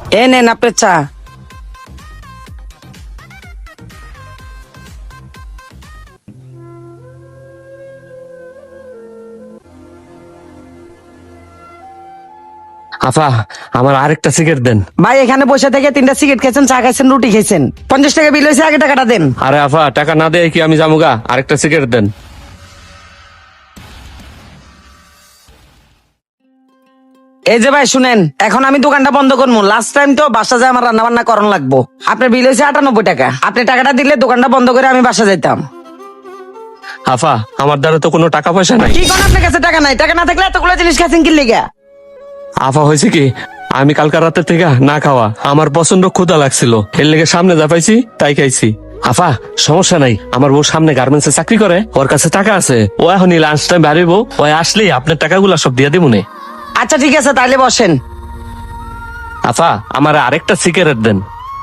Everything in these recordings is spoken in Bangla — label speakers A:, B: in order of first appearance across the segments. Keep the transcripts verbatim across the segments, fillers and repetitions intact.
A: এ নেন আপনার চা।
B: আফা, আমার আরেকটা সিগারেট দেন।
A: ভাই এখানে বসে থেকে তিনটা সিগারেট খেয়েছেন, চা খাইছেন, রুটি খেয়েছেন, পঞ্চাশ টাকা বিল হয়েছে, আগে টাকাটা দেন।
B: আরে আফা, টাকা না দেয় কি আমি যামুগা? আরেকটা সিগারেট দেন।
A: এই যে ভাই শুনেন, এখন আমি দোকানটা বন্ধ করবো। লাস্ট টাইম তো বাসা যায় আমার রান্না বান্না করানো লাগবো। আপনার বিল হয়েছে আটানব্বই টাকা। আপনি টাকাটা দিলে দোকানটা বন্ধ করে আমি বাসা যাইতাম।
B: আফা, আমার দ্বারা তো কোনো টাকা পয়সা নাই।
A: কি কোন আপনার কাছে টাকা নাই? টাকা না থাকলে এতগুলো জিনিস খাচ্ছেন কি লিগা?
B: আফা, হয়েছে কি, আমি কালকা রাতের থেকে না খাওয়া, আমার প্রচন্ড ক্ষুধা লাগছিল, এর লেগে সামনে যা পাইছি তাই খাইছি। আফা, সমস্যা নাই, আমার বউ সামনে গার্মেন্টসে চাকরি করে, ওর কাছে টাকা আছে, ও এখনই লাঞ্চ টাইম বাড়িব, ও আসলেই আপনার টাকাগুলা সব দিয়ে দিবনে।
A: আচ্ছা ঠিক আছে, তাইলে বসেন।
B: আফা, আমার আরেকটা সিগারেট দেন।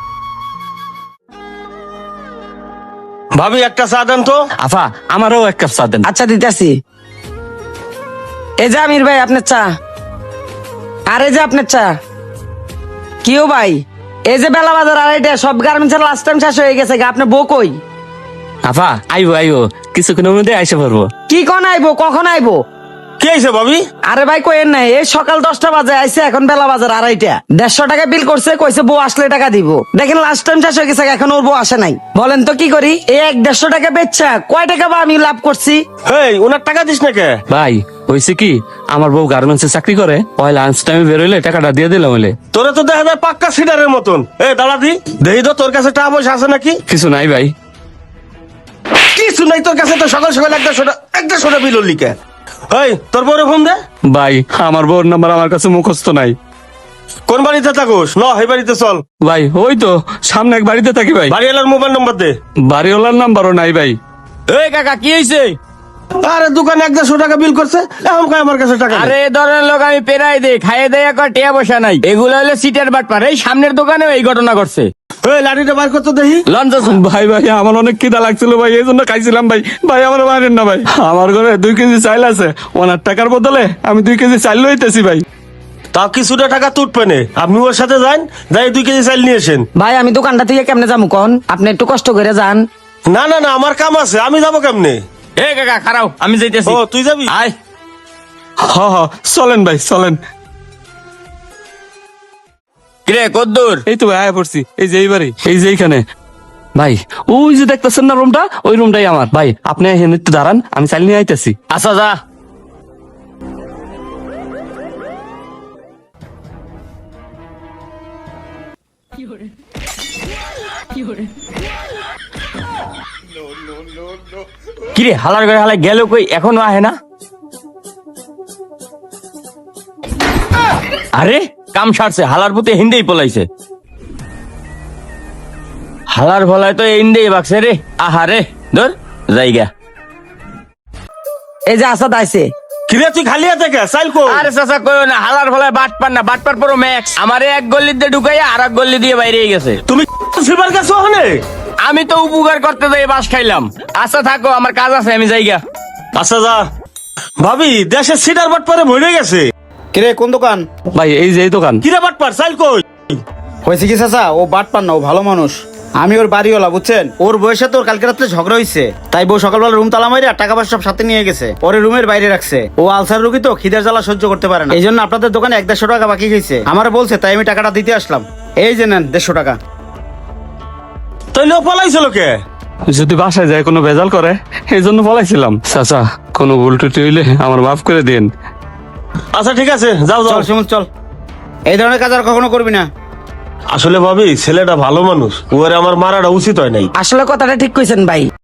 C: ভাবি একটা চা দেন তো।
B: আফা, আমারও এক কাপ চা দেন।
A: আচ্ছা দিতেছি। এই যে আমির ভাই আপনার চা। আর এই যে আপনার চা। কিও ভাই, এই যে বেলা বাজার আড়াইটা, সব গার্মেন্টসের লাস্ট টাইম শেষ হয়ে গেছে, আপনার বউ কই?
B: আফা, আইবো আইবো, কিছুক্ষণের মধ্যে আইসে পারবো।
A: কি কোন আইবো? কখন আইবো?
C: কে আইছে ভাবি?
A: আরে ভাই কইেন নাই, এই সকাল দশটা বাজে আইছে, এখন বেলা বাজার আড়াইটা। দেড়শো টাকা বিল করছে, কইছে বউ আসলে টাকা দিব। দেখেন লাস্ট টাইম শেষ হয়ে গেছে, এখন ওর বউ আসে নাই। বলেন তো কি করি? এই এক দেড়শো টাকা বেচছা কয় টাকা বা আমি লাভ করছি?
C: হেই, ওনার টাকা দিস না কে?
B: ভাই হয়েছে কি, আমার বউ গার্মেন্টসে চাকরি করে, ওই লাঞ্চ টাইমে বেরোইলে টাকাটা দিয়ে দিলাম হলে।
C: তোরে তো দেখা যায় পাক্কা সিডারের মতন। এ দাঁড়া দি, দেখি তো তোর কাছে টাকা পয়সা আছে নাকি।
B: কিছু নাই ভাই।
C: কিছু নাই তোর কাছে? তো সকাল সকাল একটা সোটা একটা সোটা বিল লিখে। এই তোর বউরে ফোন দে।
B: ভাই, আমার বউর নাম্বার আমার কাছে মুখস্থ নাই।
C: কোন বাড়িতে থাকোস? ন এই বাড়িতে চল।
B: ভাই ওই তো সামনে এক বাড়িতে থাকি ভাই।
C: বাড়িওয়ালার মোবাইল নাম্বার দে।
B: বাড়িওয়ালার নাম্বারও নাই ভাই।
D: এই কাকা কি হয়েছে?
C: আরে দোকানে এক দেড়শো টাকা বিল করছে, এখন কয় আমার কাছে টাকা নেই।
D: আরে এই ধরনের লোক আমি পেরাই দেই, খাইয়ে দেয় একবার টিয়া পয়সা নাই। এগুলো হলো সিটের বাটপার। এই সামনের দোকানেও এই ঘটনা করছে।
C: এই লাঠিটা বার করতে দেখি।
D: লঞ্চ
B: ভাই ভাই, আমার অনেক খিদা লাগছিল ভাই, এই জন্য খাইছিলাম ভাই। ভাই আমার বাইরেন না ভাই, আমার ঘরে দুই কেজি চাইল আছে, ওনার টাকার বদলে আমি দুই কেজি চাইল লইতেছি ভাই।
C: তাও কিছুটা টাকা তুটবে নে। আপনি ওর সাথে যান, যাই দুই কেজি চাল নিয়ে আসেন।
A: ভাই আমি দোকানটা থেকে কেমনে যাবো কন? আপনি একটু কষ্ট করে যান।
C: না না না, আমার কাম আছে, আমি যাবো কেমনে?
D: এই কাকা খারাও, আমি যাইতেছি।
C: ও তুই যাবি?
D: আয়।
B: হ হ, চলেন ভাই চলেন।
D: কিরে কদ্দুর?
B: এই তো ভাই আয়া পড়ছি, এই যে এই বাড়ি, এই যে এইখানে। ভাই ওই যে দেখতেছেন না রুমটা, ওই রুমটাই আমার। ভাই আপনি এখানে একটু দাঁড়ান, আমি চাইল নিয়ে আইতেছি।
D: আচ্ছা যা। কিরে হালার ঘরে হালাই গেল কই? এখনো আহে না? আরে কাম সারছে, হালার পুতে হিন্দেই পলাইছে। হালার ভলায় তো হিন্দেই বাকছে রে। আহারে ধর জায়গা।
A: এই যে আসাদ আইছে।
C: কিরে তুই খালি হাতে কে? চাইল কো?
D: আরে চাচা কইও না, হালার ভলায় বাট পার না, বাট পার পুরো ম্যাক্স। আমারে এক গল্লি দিয়ে ঢুকাইয়া আর এক গল্লি দিয়ে বাইরে গেছে।
C: তুমি সিলভার গেছো ওখানে?
D: আমি তো উপকার করতে যাই বাস খাইলাম। আচ্ছা থাকো, আমার কাজ আছে, আমি যাইগা।
C: আচ্ছা যা। ভাবি দেশের সিডার বাট পরে ভরে গেছে।
E: কিরে কোন দোকান?
B: ভাই এই যে এই দোকান।
C: কিরে বাট পার চাইল কই?
E: হয়েছে কি চাচা, ও বাট পান না, ও ভালো মানুষ। আমি ওর বাড়িওয়ালা বুঝছেন। ওর বউয়ের সাথে ওর কালকে রাত্রে ঝগড়া হয়েছে, তাই বউ সকালবেলা রুম তালা মারি আর টাকা পয়সা সব সাথে নিয়ে গেছে, ওরে রুমের বাইরে রাখছে। ও আলসার রুগী তো, খিদের জ্বালা সহ্য করতে পারে না, এই জন্য আপনাদের দোকানে এক দেড়শো টাকা বাকি গেছে। আমার বলছে, তাই আমি টাকাটা দিতে আসলাম। এই যে নেন দেড়শো টাকা।
C: তাইলে ও পলাইছিল কে?
B: যদি বাসায় যায় কোনো ভেজাল করে, এই জন্য পলাইছিলাম। চাচা কোনো ভুল টুটি হইলে আমার মাফ করে দিন।
C: আচ্ছা ঠিক আছে, যাও যাও।
E: চল শিমুল চল, এই ধরনের কাজ আর কখনো করবি না।
C: আসলে ভাবি ছেলেটা ভালো মানুষ, ওরে আমার মারাটা উচিত হয় নাই।
A: আসলে কথাটা ঠিক কইছেন ভাই।